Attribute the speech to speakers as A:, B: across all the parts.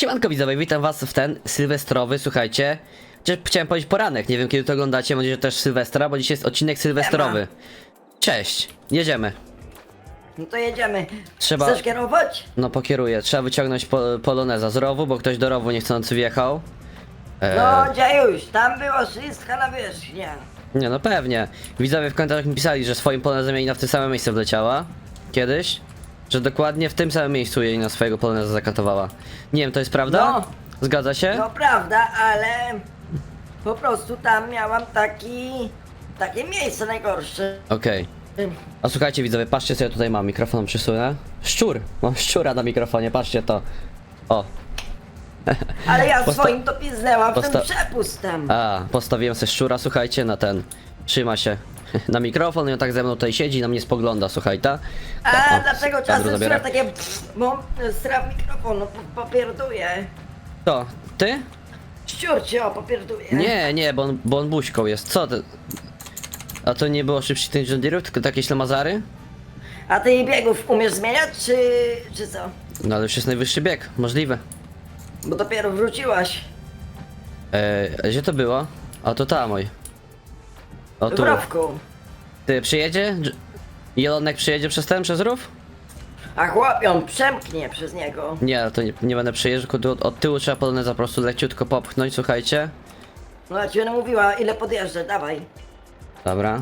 A: Siemanko widzowie, witam was w ten sylwestrowy, słuchajcie. Chciałem powiedzieć poranek, nie wiem kiedy to oglądacie, będzie też Sylwestra, bo dzisiaj jest odcinek sylwestrowy. Cześć, jedziemy.
B: No to jedziemy.
A: Trzeba-
B: Chcesz kierować?
A: No pokieruję, trzeba wyciągnąć poloneza z rowu, bo ktoś do rowu niechcący wjechał.
B: No dziejuś, tam było wszystko na wierzchnię.
A: Nie no pewnie. Widzowie w komentarzach mi pisali, że swoim polonezem Janina w tym samym miejscu wleciała. Kiedyś. Że dokładnie w tym samym miejscu Janina swojego poloneza zakatowała. Nie wiem, to jest prawda?
B: No.
A: Zgadza się?
B: No prawda, ale po prostu tam miałam takie miejsce najgorsze.
A: Okej. A słuchajcie widzowie, patrzcie co ja tutaj mam, mikrofon przysunę. Szczur! Mam szczura na mikrofonie, patrzcie to. O.
B: Ale ja
A: Posta-
B: swoim to piznęłam w
A: posta-
B: tym przepustem.
A: Postawiłem sobie szczura, słuchajcie, na ten. Trzyma się na mikrofon i on tak ze mną tutaj siedzi i na mnie spogląda, słuchaj, ta.
B: A
A: O,
B: dlaczego
A: kadru
B: czasem
A: zabiera.
B: słyszę takie bo straf mikrofonu, popierduje.
A: To, ty?
B: Ściurcie, o, popierduje.
A: Nie, bo on buźką jest, co ty? A to nie było szybciej tych John Deere'ów, tylko takie ślamazary?
B: A ty jej biegów umiesz zmieniać, czy co?
A: No ale już jest najwyższy bieg, możliwe.
B: Bo dopiero wróciłaś.
A: Gdzie to było? A to tam, oj. O
B: W
A: tu.
B: rowku.
A: Ty przyjedzie? Jelonek przyjedzie przez rów?
B: A chłopion przemknie przez niego.
A: Nie, to nie będę przyjeżdżał, tylko tu od tyłu trzeba poloneza po prostu leciutko popchnąć, słuchajcie.
B: No ja ci będę mówiła, ile podjeżdżę, dawaj.
A: Dobra.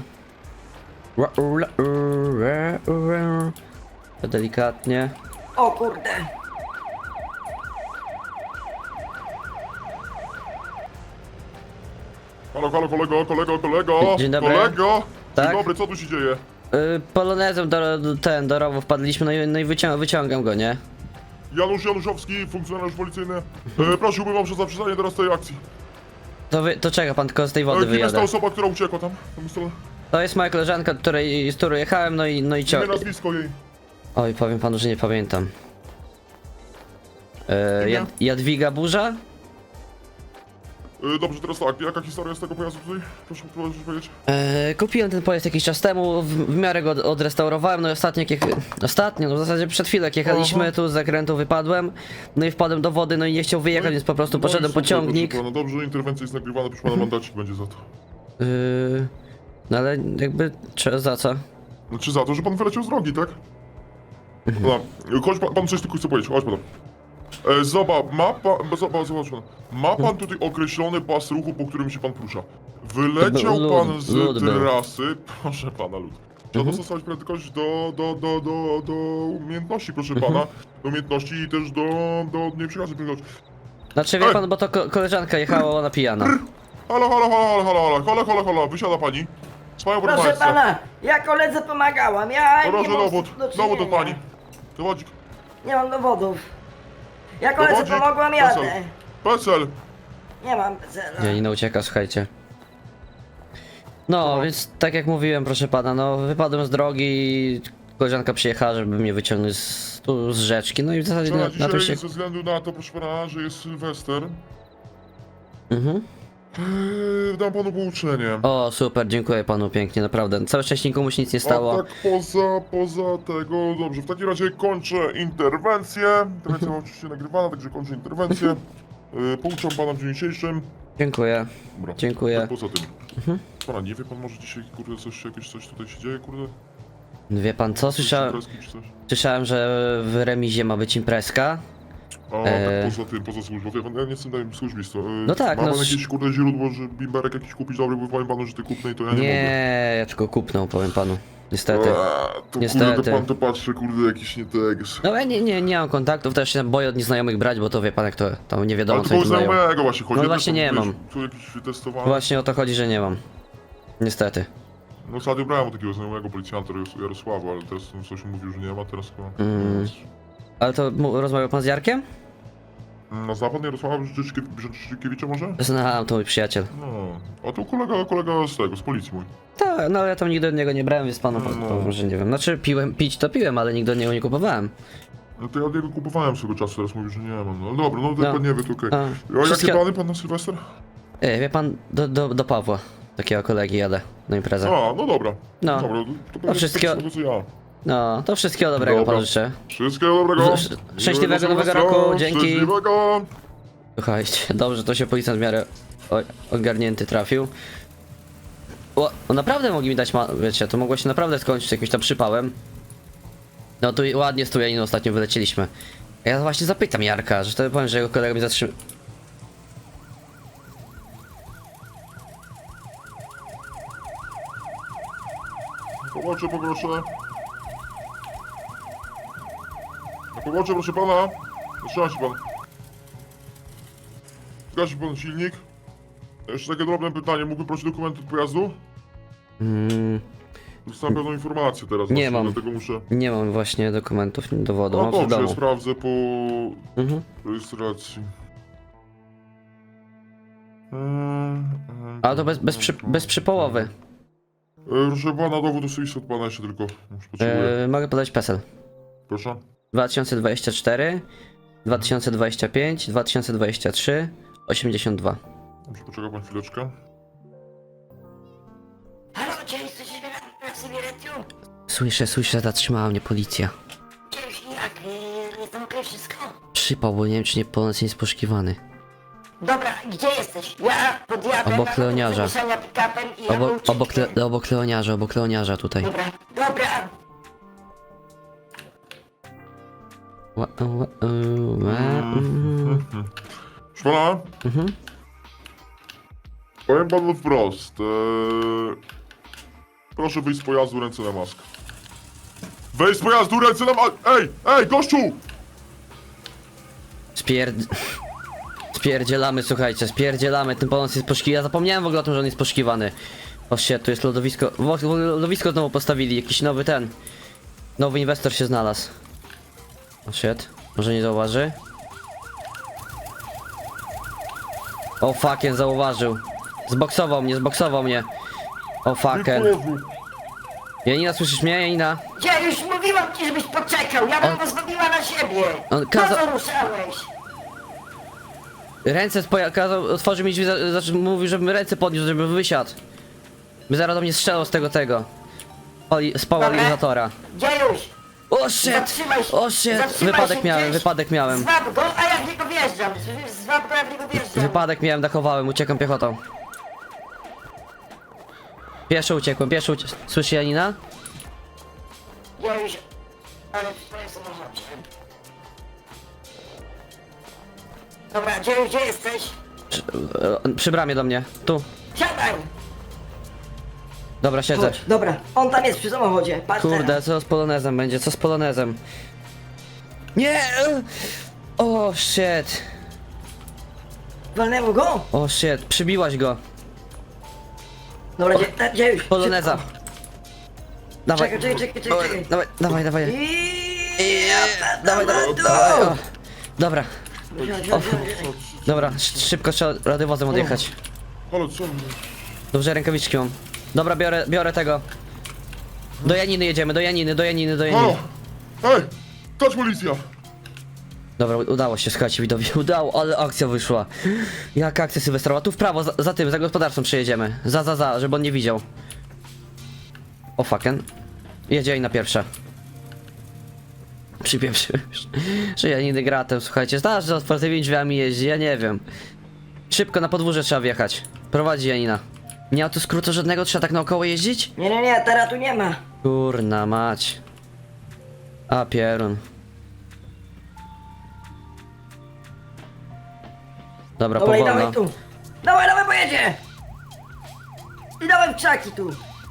A: To delikatnie.
B: O kurde.
C: Halo, halo, kolego!
A: Dzień dobry.
C: Kolego!
A: Tak?
C: Dzień dobry, co tu się dzieje?
A: Polonezem do rowu wpadliśmy, no i wyciągam go, nie?
C: Janusz Januszowski, funkcjonariusz policyjny. Prosiłbym o zaprzestanie teraz tej akcji.
A: To czeka pan, tylko z tej wody
C: Kim jest ta
A: wyjadę.
C: osoba, która uciekła tam? Tam jest
A: To jest moja koleżanka, z którą jechałem, no i
C: imię,
A: ciąg.
C: nazwisko jej.
A: Oj, powiem panu, że nie pamiętam.
B: Imię?
A: Jadwiga Burza?
C: Dobrze, teraz tak, jaka historia jest tego pojazdu tutaj? Proszę powiedzieć.
A: Kupiłem ten pojazd jakiś czas temu, w miarę go odrestaurowałem, no i ostatnio, no w zasadzie przed chwilą jak jechaliśmy, tu z zakrętu wypadłem, no i wpadłem do wody, no i nie chciał wyjechać, więc po prostu poszedłem po ciągnik.
C: No dobrze, interwencja jest nagrywana, proszę pana, mandacik będzie za to.
A: No ale jakby, za co?
C: Znaczy za to, że pan wyleciał z drogi, tak? No, chodź pan coś tylko chce powiedzieć, chodź pan. Zobacz, ma pan tutaj określony pas ruchu, po którym się pan porusza. Wyleciał
A: To był
C: pan
A: lód,
C: z
A: lód był.
C: trasy, proszę pana, lód. Trzeba dostosować prędkość do umiejętności, proszę pana. Do umiejętności i też do nie przekazu prędkości.
A: Znaczy wie pan, bo to koleżanka jechała, ona pijana.
C: Halo, wysiada pani. Swoją
B: Proszę
C: proszę
B: pana, ja koledze pomagałam, ja
C: Proszę
B: nie mam
C: dowód,
B: do
C: dowód od
B: czynienia.
C: pani. Dowodzik.
B: Nie mam dowodów. Ja koledze
C: Dowodzik.
B: pomogłam, jadę.
C: PESEL.
B: Nie mam PESEL-a.
A: Janina ucieka, słuchajcie. No, więc tak jak mówiłem, proszę pana, no wypadłem z drogi, koleżanka przyjechała, żeby mnie wyciągnąć tu z rzeczki, no i w zasadzie
C: Trzeba
A: na tym się...
C: dzisiaj, ze względu na to, proszę pana, że jest Sylwester,
A: Mhm.
C: dam panu pouczenie.
A: O, super, dziękuję panu pięknie, naprawdę. Całe szczęście nikomu się nic nie
C: A
A: stało.
C: tak poza tego, dobrze, w takim razie kończę interwencję. Interwencja była oczywiście nagrywana, także kończę interwencję. Pouczam pana w dniu dzisiejszym.
A: Dziękuję.
C: Dobra,
A: Dziękuję.
C: Tak poza tym. Pana, nie wie pan może dzisiaj, kurde, coś tutaj się dzieje, kurde?
A: Wie pan co?
C: Coś imprezki czy coś?
A: Słyszałem, że w remizie ma być imprezka.
C: A tak poza służbą, wie pan, ja nie jestem dajem służbistwo.
A: No tak,
C: Ma
A: no
C: pan jakieś, kurde, źródło, że bimberek jakiś kupić dobry, bo powiem panu, że ty kupnej, to ja nie mogę.
A: Nie, ja tylko kupnę, powiem panu. Niestety.
C: To
A: Niestety.
C: kurde, to pan to patrzy, kurde, jakiś nie tego.
A: No ja nie mam kontaktów, też się boję od nieznajomych brać, bo to wie pan jak to tam nie wiadomo
C: Ale
A: co
C: to
A: im dają.
C: znajomego właśnie chodzi.
A: No
C: ja
A: właśnie
C: też
A: nie
C: wiesz,
A: mam.
C: Tu jakiś wytestowany.
A: Właśnie o to chodzi, że nie mam. Niestety.
C: No ostatnio brałem od takiego znajomego policjanta Jarosława, ale teraz coś mówił, że nie ma, teraz chyba...
A: Ale to rozmawiał pan z Jarkiem?
C: No zna pan Jarosława Brzęczykiewicza może?
A: Znam, to mój przyjaciel.
C: No, a to kolega z tego, z policji mój.
A: Tak, no ja tam nigdy od niego nie brałem, więc panu
C: No.
A: powiem, że nie wiem. Znaczy pić to piłem, ale nigdy od niego nie kupowałem.
C: No to ja od niego kupowałem swego czasu, teraz mówi, że nie mam. No dobra, no to
A: No.
C: pan nie wie, to okej.
A: A,
C: A jakie
A: wszystkie-
C: plany pan na Sylwester?
A: Wie pan, do Pawła, takiego kolegi jadę na imprezę.
C: A, no dobra.
A: No.
C: Dobra, to
A: wszystkiego-
C: tego co ja.
A: No, to wszystkiego dobrego
C: Dobra.
A: panu życzę.
C: Wszystkiego dobrego.
A: Szczęśliwego
C: Miłego
A: nowego
C: Sylwestra.
A: roku, dzięki.
C: Szczęśliwego.
A: Słuchajcie, dobrze, to się policjant w miarę ogarnięty trafił. O, naprawdę mogli mi dać, wiecie, to mogło się naprawdę skończyć jakimś tam przypałem. No tu ładnie z Tujaniną ostatnio wylecieliśmy. Ja właśnie zapytam Jarka, że to powiem, że jego kolega mnie zatrzymał.
C: Pobocze, poproszę. Na pobocze, proszę pana. Zatrzyma się pan. Gasi pan silnik. Jeszcze takie drobne pytanie. Mógłby prosić dokumenty od pojazdu? Dostałem pewną informację teraz.
A: Nie
C: właśnie,
A: mam.
C: Dlatego muszę...
A: Nie mam właśnie dokumentów, dowodu,
C: No
A: mam w
C: dobrze, ja
A: domu.
C: sprawdzę po
A: Mhm.
C: rejestracji.
A: Ale to bez przypołowy.
C: Proszę pana, dowód osobisty od pana jeszcze tylko. Już potrzebuję.
A: Mogę podać PESEL.
C: Proszę.
A: 2024, 2025, 2023, 82.
C: Dobrze, poczeka pan chwileczkę.
B: Halo, gdzie jesteś na Syberetiu?
A: Słyszę, zatrzymała mnie policja.
B: Gdzie już jak? Jest tam okej wszystko?
A: Przypał, bo nie wiem czy nie polonez jest poszukiwany.
B: Dobra, gdzie jesteś? Ja podjadę
A: Obok Leoniarza.
B: pick-upem i ja
A: Obok Leoniarza tutaj.
B: Dobra, dobra.
C: Proszę pana. Powiem panu wprost. Proszę wyjść z pojazdu, ręce na maskę. Wyjść z pojazdu, ręce na maskę! Ej, gościu!
A: Spierdzielamy, słuchajcie, spierdzielamy, ten polonez jest poszukiwany. Ja zapomniałem w ogóle o tym, że on jest poszukiwany. O shit, tu jest lodowisko. Lodowisko znowu postawili, jakiś nowy nowy inwestor się znalazł. O shit, może nie zauważy? O fucking, zauważył. Zboksował mnie. O fucking. Janina, słyszysz mnie, Janina?
B: Ja już mówiłam ci, żebyś poczekał, ja bym pozwoliła na siebie.
A: On
B: Po
A: kazał-
B: co ruszałeś?
A: Ręce kazał, otworzył mi drzwi, mówił, żebym ręce podniósł, żeby wysiadł. By zaraz do mnie strzelał z tego. Z polarizatora.
B: Gdzie już?
A: O shit!
B: Zatrzymaj się.
A: O shit!
B: Zatrzymaj się
A: Wypadek
B: gdzieś.
A: miałem.
B: Zwab go, a ja w niego wjeżdżam. Zwab go, ja w niego wjeżdżam.
A: Wypadek miałem, dachowałem, uciekam piechotą. Pieszo uciekłem. Słyszy Janina?
B: Ja już... Ale w swoim samochodzie. Dobra, gdzie jesteś?
A: Przy bramie do mnie. Tu.
B: Siadaj!
A: Dobra, siedzę.
B: Chodź, dobra, on tam jest przy samochodzie, patrz
A: Kurde,
B: teraz.
A: co z polonezem będzie? Co z polonezem? Nie! O shit!
B: Walnęło go?
A: O shit, przybiłaś go.
B: Dobra, gdzie już?
A: Poloneza. Dawaj.
B: Czekaj.
A: Dawaj.
B: Dawaj.
A: O. Dobra. Dobra, szybko trzeba radiowozem odjechać.
C: Ale co?
A: Dobrze, rękawiczki mam. Dobra, biorę tego. Do Janiny jedziemy, do Janiny.
C: Halo! Ej! Touch policja!
A: Dobra, udało się, słuchajcie, widowi. Udało, ale akcja wyszła. Jaka akcja sylwestrowa? Tu w prawo, za tym, za gospodarstwem przejedziemy. Żeby on nie widział. O fucking. Jedzie na pierwsza. Przypieprzyłem już. Że Janiny gratem, słuchajcie. Znasz, że otwartymi drzwiami jeździ, ja nie wiem. Szybko na podwórze trzeba wjechać. Prowadzi Janina. Nie ma tu skrótu żadnego, trzeba tak naokoło jeździć?
B: Nie, teraz tu nie ma.
A: Kurna mać. A pierun. Dobra,
B: Dobra, i
A: powolno.
B: dawaj tu. Dawaj, pojedzie! I dawaj w krzaki tu.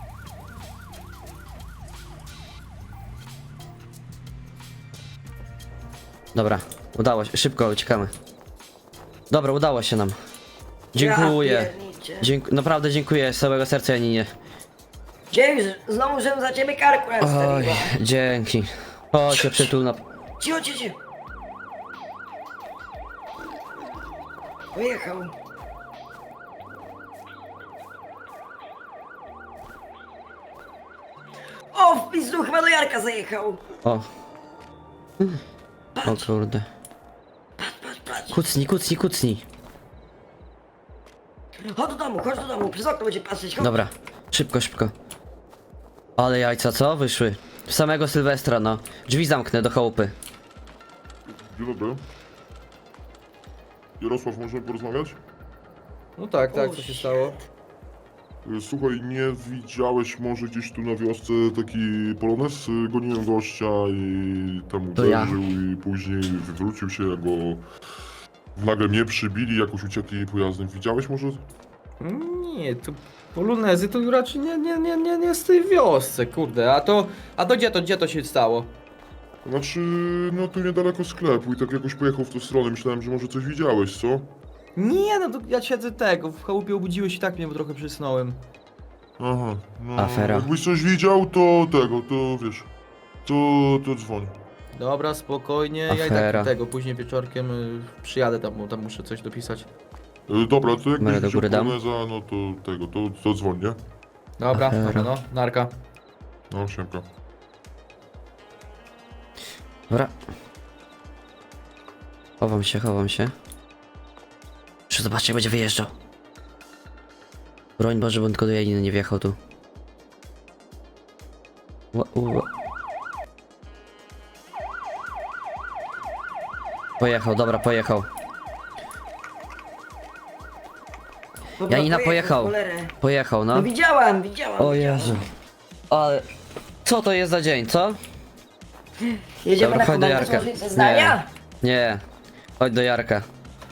A: Dobra, udało się, szybko uciekamy. Dobra, udało się nam. Dziękuję.
B: Ja pierniczę.
A: Naprawdę dziękuję z całego serca Janinie.
B: James, znowu żebym za ciebie karku
A: Oj,
B: nastawiła.
A: dzięki. Chodź się przytulna.
B: Cicho. Pojechał. O, w pizdu, chyba do Jarka zajechał.
A: O. O kurde.
B: Patrz.
A: Kucnij.
B: Chodź do domu, przez okno będzie patrzeć, chodź.
A: Dobra, szybko. Ale jajca co? Wyszły. W samego Sylwestra, no. Drzwi zamknę do chałupy.
C: Dzień dobry. Jarosław, możemy porozmawiać?
D: No tak, co się stało?
C: Słuchaj, nie widziałeś może gdzieś tu na wiosce taki polonez? Goniłem gościa i tam
A: To ja.
C: uderzył i później wywrócił się, jak go nagle mnie przybili, jakoś uciekli pojazdem. Widziałeś może?
D: Nie, tu polonezy to raczej nie z tej wiosce, kurde. A to gdzie to się stało?
C: Znaczy, no tu niedaleko sklepu i tak jakoś pojechał w tę stronę. Myślałem, że może coś widziałeś, co?
D: Nie, no to ja siedzę tego, w chałupie obudziłeś i tak mnie trochę przysnąłem.
C: Aha, no
A: Afera.
C: jakbyś coś widział, to wiesz, to dzwoń.
D: Dobra, spokojnie, ja i
A: Afera.
D: tak tego, później wieczorkiem przyjadę tam, bo tam muszę coś dopisać.
C: Dobra, to
A: Numery
C: jakbyś
A: do
C: widział
A: góry dam.
C: poloneza, no to dzwoń, nie?
D: Dobra,
A: Afera.
D: dobra, no, narka.
C: No, siemka.
A: Dobra. Chowam się. Jeszcze zobaczcie, jak będzie wyjeżdżał. Broń Boże, bo tylko do Janiny nie wjechał tu. Pojechał, dobra, pojechał.
B: Dobra,
A: Janina pojechał.
B: cholerę.
A: Pojechał,
B: No
A: no.
B: widziałam.
A: O Jezu. Ale... Co to jest za dzień, co?
B: Jedziemy
A: Dobra,
B: na
A: chodź do
B: komentarz
A: Jarka.
B: może zeznania?
A: Nie. Chodź do Jarka.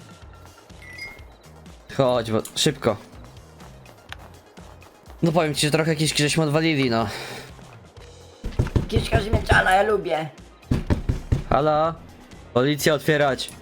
A: Chodź, bo szybko. No powiem ci, że trochę kiszki żeśmy odwalili, no.
B: Kiszka ziemniaczana, ja lubię.
A: Halo? Policja, otwierać.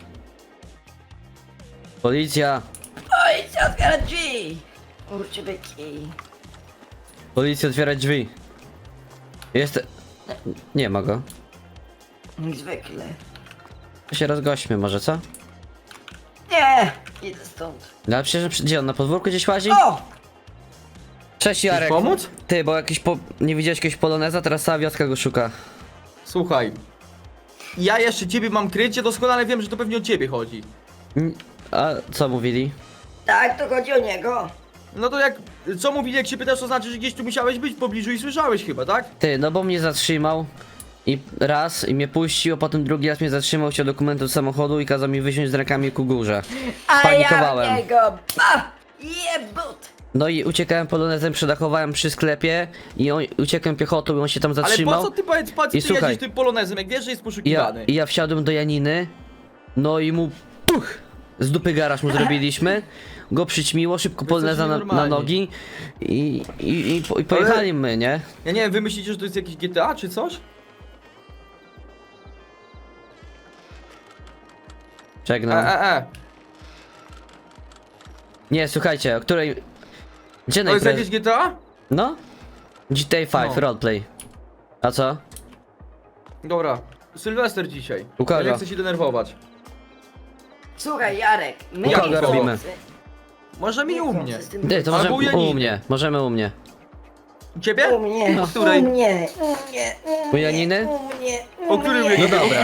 A: Policja.
B: Oj, co otwiera drzwi? Kurczę byki.
A: Policja, otwierać drzwi. Jest... Nie ma go.
B: Jak zwykle.
A: To się rozgośćmy może, co?
B: Nie, idę stąd.
A: No ale przecież gdzie on, na podwórku gdzieś łazi?
B: O!
A: Cześć Jarek.
D: pomóc?
A: Ty, bo jakiś nie widziałeś jakiegoś poloneza, teraz cała wioska go szuka.
D: Słuchaj, ja jeszcze ciebie mam krycie, doskonale wiem, że to pewnie o ciebie chodzi.
A: A co mówili?
B: Tak, to chodzi o niego.
D: No to co mówili, jak się pytasz, to znaczy, że gdzieś tu musiałeś być w pobliżu i słyszałeś chyba, tak?
A: Ty, no bo mnie zatrzymał i raz i mnie puścił, a potem drugi raz mnie zatrzymał, chciał dokumentu z samochodu i kazał mi wysiąść z rękami ku górze.
B: A
A: Spanikowałem.
B: ja w niego, jebut!
A: No i uciekałem polonezem, przedachowałem przy sklepie i uciekłem piechotą i on się tam
D: Ale
A: zatrzymał.
D: po co ty powiedz, po co
A: I
D: ty
A: słuchaj.
D: jedziesz tym polonezem, jak wiesz, że jest
A: I
D: poszukiwany?
A: ja wsiadłem do Janiny, no i mu puch! Z dupy garaż mu zrobiliśmy, go przyćmiło, szybko poloneza na
D: nienormalni.
A: nogi i pojechali my, nie?
D: Ja nie wiem, wy myślicie, że to jest jakiś GTA czy coś?
A: Żegnam. Nie, słuchajcie, o której... Gdzie
D: To jest
A: najpierw...
D: jakieś GTA?
A: No? GTA 5,
D: No.
A: roleplay. A co?
D: Dobra, Sylwester dzisiaj.
A: U kogo?
D: Ja nie chcę się denerwować.
B: Słuchaj, Jarek, my
A: U kogo
B: nie
A: robimy?
B: chcący-
D: Możemy i u
B: nie
D: mnie.
B: chcący z tym-
A: Ty, to
D: Albo
A: możemy
D: u Janiny.
A: u mnie, możemy u mnie.
D: U ciebie?
B: U mnie,
D: O której?
B: u mnie,
A: U Janiny?
B: u mnie,
D: O którym
B: mnie.
D: Janiny?
A: No dobra.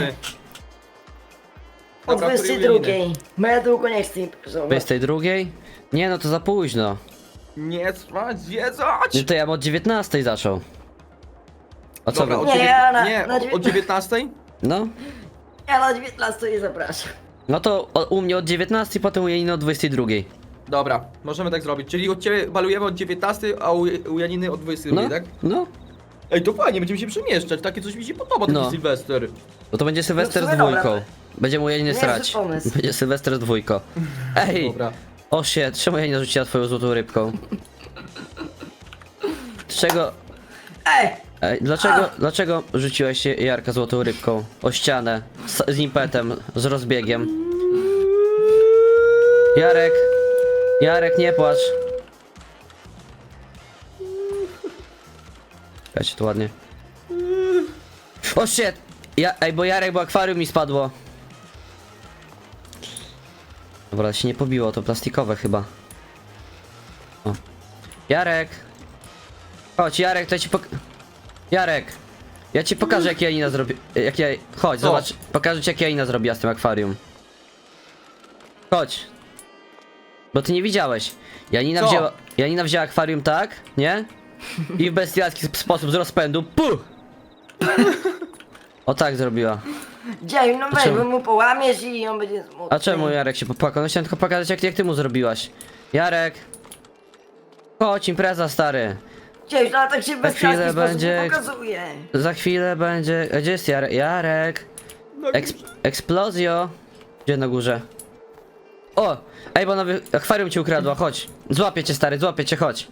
B: O
D: Dobra, o której
B: 22.
D: Janiny?
B: Bo ja długo nie chcę imprezować.
A: 22? Nie, no to za późno.
D: Nie spać, zwiedzać!
A: No to ja bym od 19 zaczął. O co
D: Dobra,
A: wy-
D: o
B: Nie,
D: dziewię-
B: ja na-
D: nie,
B: na
D: o 19?
A: No?
B: Ja na 19 nie zapraszam.
A: No to u mnie od 19, potem u Janiny od 22.
D: Dobra, możemy tak zrobić. Czyli od ciebie balujemy od 19, a u Janiny od 22,
A: No,
D: tak?
A: no.
D: Ej, to fajnie, będziemy się przemieszczać. Takie coś mi się podoba, taki
A: No.
D: Sylwester.
A: No to będzie Sylwester
B: No
A: z
B: w sumie dobra.
A: dwójką. Będziemy u Janiny
B: Niezły
A: srać.
B: pomysł.
A: Będzie Sylwester z dwójką. Ej!
D: Dobra.
A: O shit, czemu Janina rzuciła twoją złotą rybką? Czego...
B: Ej,
A: Dlaczego rzuciłeś się Jarka złotą rybką? O ścianę, z impetem, z rozbiegiem. Jarek, nie płacz. Czekajcie, tu ładnie. O shit! Bo Jarek, bo akwarium mi spadło. Dobra, się nie pobiło, to plastikowe chyba. O. Jarek! Chodź, Jarek, to ja ci Jarek! Ja ci pokażę, jak Janina zrobi... Chodź,
D: Co?
A: zobacz. Pokażę ci, jak Janina zrobiła z tym akwarium. Chodź. Bo ty nie widziałeś.
D: Co?
A: Janina wzięła akwarium tak, nie? I w bestialski sposób z rozpędu, puch! O tak zrobiła.
B: Dzieju, no weź,
A: czemu?
B: bo mu połamiesz i on będzie smutny.
A: A czemu Jarek się popłakał? No chciałem tylko pokazać jak ty mu zrobiłaś. Jarek! Chodź, impreza stary.
B: Dzieju, no ale tak się bez
A: chwilę
B: chwilę sposób
A: będzie-
B: nie pokazuje.
A: Za chwilę będzie... Gdzie jest Jarek? Jarek!
D: No,
A: Eksplozjo! Gdzie na górze? O! Ej, bo nowy akwarium ci ukradła, chodź. Złapię cię stary, złapię cię, chodź.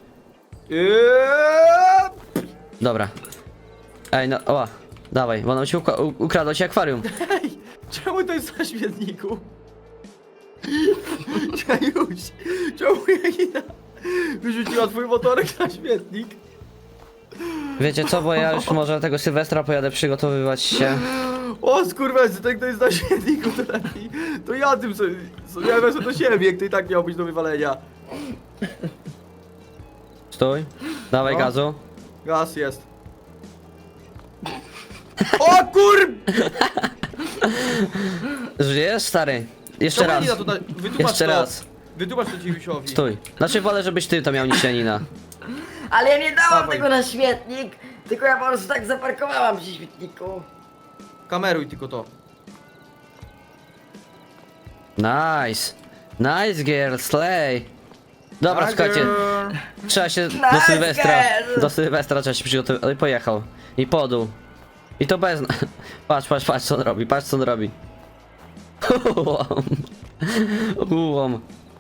A: Dobra. Ej, no, o, dawaj, bo nam się ukradło ci akwarium.
D: Ej, czemu to jest na śmietniku? Czemuś, czemu Janina wyrzuciła twój motorek na śmietnik?
A: Wiecie co, bo ja już może tego Sylwestra pojadę przygotowywać się.
D: O skurwesy, ten kto jest na śmietniku, to lepiej. To ja tym sobie, ja wezmę do siebie, jak to i tak miał być do wywalenia.
A: Stój, dawaj
D: No.
A: gazu.
D: Gaz jest. O kur...
A: Żyjesz, stary? Jeszcze
D: Czemu
A: raz.
D: Janina tutaj, wytłumacz
A: Jeszcze
D: to.
A: raz.
D: Wytłumacz to Dziwiusiowi.
A: Stój. Znaczy wolę, żebyś ty to miał niż Janina.
B: Ale ja nie dałam
D: Dawaj.
B: tego na śmietnik, tylko ja po prostu tak zaparkowałam przy śmietniku.
D: Kameruj tylko to.
A: Nice. Nice girl, slay. Dobra,
D: Tak,
A: słuchajcie. Trzeba się do
B: Nice
A: Sylwestra.
B: girl.
A: Do Sylwestra trzeba się przygotować. Ale pojechał. I podół. I to bez. Patrz, patrz, patrz co on robi, patrz co on robi. Ułom. Ułom.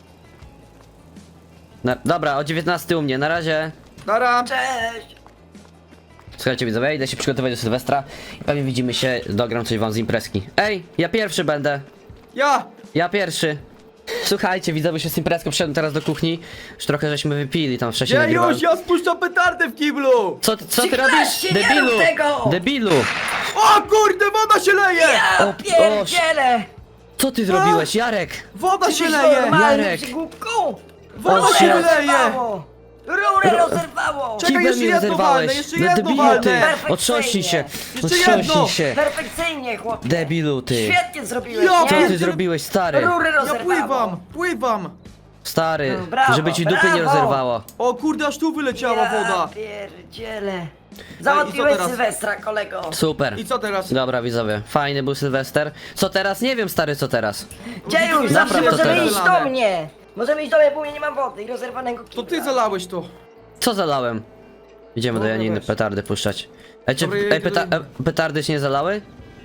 A: Dobra, o 19 u mnie, na razie.
D: Nara!
B: Cześć!
A: Słuchajcie widzowie, idę się przygotować do Sylwestra. I pewnie widzimy się, dogram coś wam z imprezki. Ej, ja pierwszy będę.
D: Ja!
A: Ja pierwszy. Słuchajcie, widzowie się z imprezką, przyszedłem teraz do kuchni. Już trochę żeśmy wypili tam wcześniej.
D: Ja
A: nagrywałem.
D: już, ja spuszczam petardę w kiblu!
A: Co ty
B: Ciklaście,
A: robisz?
B: nie
A: Debilu!
B: rób tego!
A: Debilu!
D: O kurde, woda się leje!
B: Ja
A: O,
B: pierdzielę!
A: Co ty zrobiłeś, Jarek?
D: Woda się
B: Jesteś
D: leje!
B: normalny,
A: Jarek.
B: przygłupku?
D: Woda
A: O,
D: się
A: shit.
D: leje!
B: rozerwało! Rurę rozerwało!
D: Czekaj,
A: Kibel
D: jeszcze
A: mnie
D: jedno
A: rozerwałeś.
D: walnę, jeszcze
A: No
D: jedno
A: debilu
D: walnę.
A: ty!
B: Perfekcyjnie.
A: Otrząśnij się!
D: Jeszcze jedno.
A: Otrząśnij się!
B: Perfekcyjnie, chłopie!
A: Debilu ty!
B: Świetnie zrobiłeś,
D: Ja
A: Co
B: nie?
A: ty zrobiłeś, stary?
B: Rury
D: Ja
B: rozerwało!
D: pływam, pływam!
A: Stary,
B: No, brawo,
A: żeby ci dupy nie
B: brawo.
A: rozerwało.
D: O kurde, aż tu wyleciała
B: Ja
D: woda!
B: pierdzielę!
D: i co
B: Załatwiłeś
D: teraz?
B: Sylwestra, kolego!
A: Super.
D: I co teraz?
A: Dobra widzowie, fajny był Sylwester. Co teraz? Nie wiem, stary, co teraz.
B: Dziejuś,
A: Napraw
B: zawsze
A: to
B: możemy
A: teraz.
B: iść do mnie! Możemy iść do mnie, bo u mnie nie mam wody i rozerwanego
D: To
B: kibla.
D: ty zalałeś to!
A: Co zalałem? Idziemy do
D: Dobra,
A: Janiny
D: weź.
A: petardy puszczać. Ej, czy
D: Dobra,
A: petardy się nie zalały?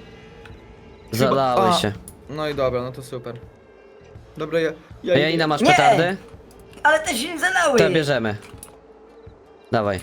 A: Zalały
D: A,
A: się.
D: No i dobra, no to super. Dobra,
A: A Janina, masz
B: Nie!
A: petardy?
B: Ale te się nie zalały!
A: To bierzemy. Dawaj.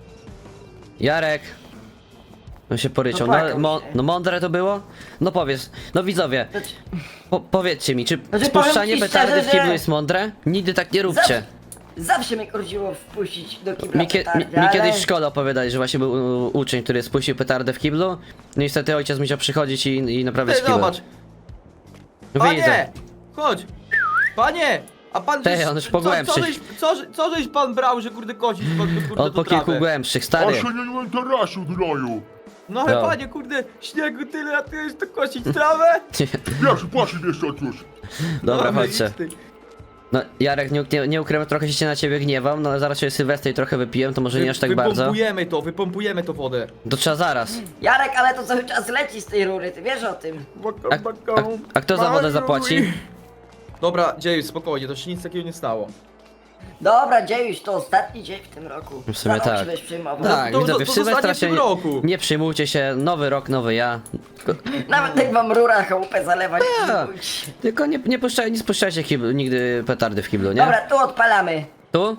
A: Jarek. On się poryczał. No,
B: Popłakał się.
A: no mądre to było? No powiedz. No widzowie,
B: Znaczy,
A: powiedzcie mi, czy
B: Znaczy,
A: spuszczanie
B: powiem ci
A: petardy
B: szczerze,
A: w kiblu
B: że-
A: jest mądre? Nigdy tak nie róbcie.
B: Zawsze mnie kordziło wpuścić do kibla petardy,
A: Mi
B: ale...
A: kiedyś w szkole opowiadali, że właśnie był uczeń, który spuścił petardę w kiblu. No niestety ojciec musiał przychodzić i naprawiać
D: Ty,
A: kibel.
D: zobacz!
A: Widzę.
D: Panie! Chodź! Panie! A pan
A: Ty,
D: żeś-
A: on już po głębszych.
D: co żeś pan brał, że kurde kosić kurde
A: On po
D: trawę?
A: kilku głębszych,
C: A
A: stary.
C: się nie interesuj, gnoju!
D: No ale
A: No.
D: panie, kurde, śniegu tyle, a ty już to kosić trawę?
C: Pierwszy płaci miesiąc już!
A: Dobra,
D: No,
A: chodźcie.
D: idź ty.
A: No Jarek, nie ukrywam, trochę się na ciebie gniewam, no ale zaraz się Sylwester i trochę wypiłem, to może nie aż tak bardzo.
D: Wypompujemy to wodę.
A: To trzeba zaraz.
B: Jarek, ale to cały czas leci z tej rury, ty wiesz o tym.
A: A kto za wodę zapłaci?
D: Dobra, dziejuj, spokojnie, to się nic takiego nie stało.
B: Dobra, Dziejuś, to ostatni dzień w tym roku.
A: W sumie
B: Za rok
A: tak.
B: się będziesz przejmował.
A: Tak,
D: to
A: widzowie, w
D: zostanie
A: Sylwestra
D: w
A: się
D: tym roku.
A: nie przyjmujcie się, nowy rok, nowy ja.
B: Nawet jak wam rura chałupę zalewać,
A: Tak.
B: nie bójcie.
A: Tylko nie spuszczajcie nigdy petardy w kiblu, nie?
B: Dobra, tu odpalamy.
A: Tu?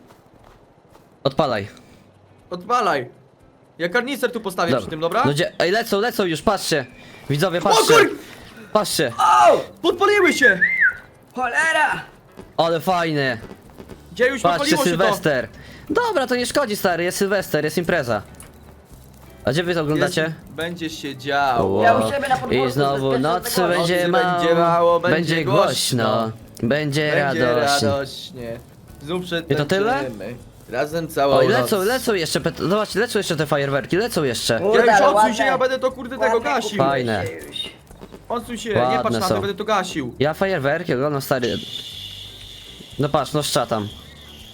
A: Odpalaj.
D: Odpalaj. Ja karnister tu postawię przy tym, dobra?
A: No gdzie? Ej, lecą już, patrzcie. Widzowie,
D: O
A: patrzcie.
D: kur...
A: Patrzcie.
B: O!
D: Podpaliły się!
B: Cholera!
A: Ale fajne.
D: Dziejuś,
A: Patrzcie,
D: podpaliło się to!
A: Sylwester. Dobra, to nie szkodzi, stary, jest Sylwester, jest impreza. A gdzie wy to oglądacie?
D: Jest, będzie się działo.
B: Ja u siebie na podwórku
A: I znowu
B: z
A: nocy
B: bezpiecznego
A: będzie
B: głosu.
D: Będzie mało, będzie
A: będzie głośno, będzie
D: Będzie
A: radośnie.
D: radośnie. Znów
A: I to tyle?
D: przetańczymy. Razem całą
A: Oj,
D: noc.
A: lecą jeszcze, zobacz, lecą jeszcze te fajerwerki, lecą jeszcze.
B: Kurde,
D: Ja już
B: ale
D: odsuń się,
B: ładne.
D: ja będę to kurde tego
B: Ładne
D: gasił.
B: kupiłeś,
A: Fajne.
B: Dziejuś.
D: Odsuń się, nie
A: Ładne
D: patrz na
A: są.
D: to, będę to gasił.
A: Ja fajerwerki oglądam, stary. No patrz, no szcza tam.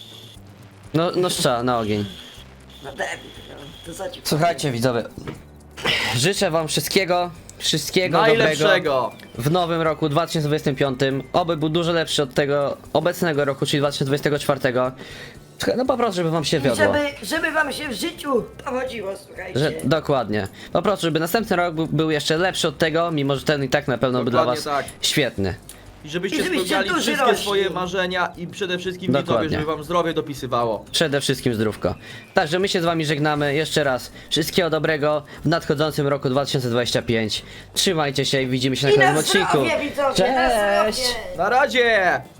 A: No szcza na ogień.
B: No debil, no, to co ci
A: Słuchajcie widzowie, Życzę wam wszystkiego dobrego
D: Najlepszego!
A: w nowym roku 2025. Oby był dużo lepszy od tego obecnego roku, czyli 2024. No po prostu, żeby wam się
B: I
A: wiodło.
B: żeby wam się w życiu powodziło, słuchajcie.
A: Dokładnie. Po prostu, żeby następny rok był jeszcze lepszy od tego, mimo że ten i tak na pewno był dla was
D: Dokładnie tak.
A: świetny.
D: I żebyście
B: I żebyście
D: spełniali
B: duży
D: wszystkie
B: rośli.
D: swoje marzenia i przede wszystkim widzowie,
A: Dokładnie.
D: żeby wam zdrowie dopisywało.
A: Przede wszystkim zdrówko. Także my się z wami żegnamy jeszcze raz. Wszystkiego dobrego w nadchodzącym roku 2025. Trzymajcie się i widzimy się na
B: I na
A: kolejnym odcinku.
B: zdrowie, widzowie, na
A: Cześć!
B: zdrowie.
D: Na razie!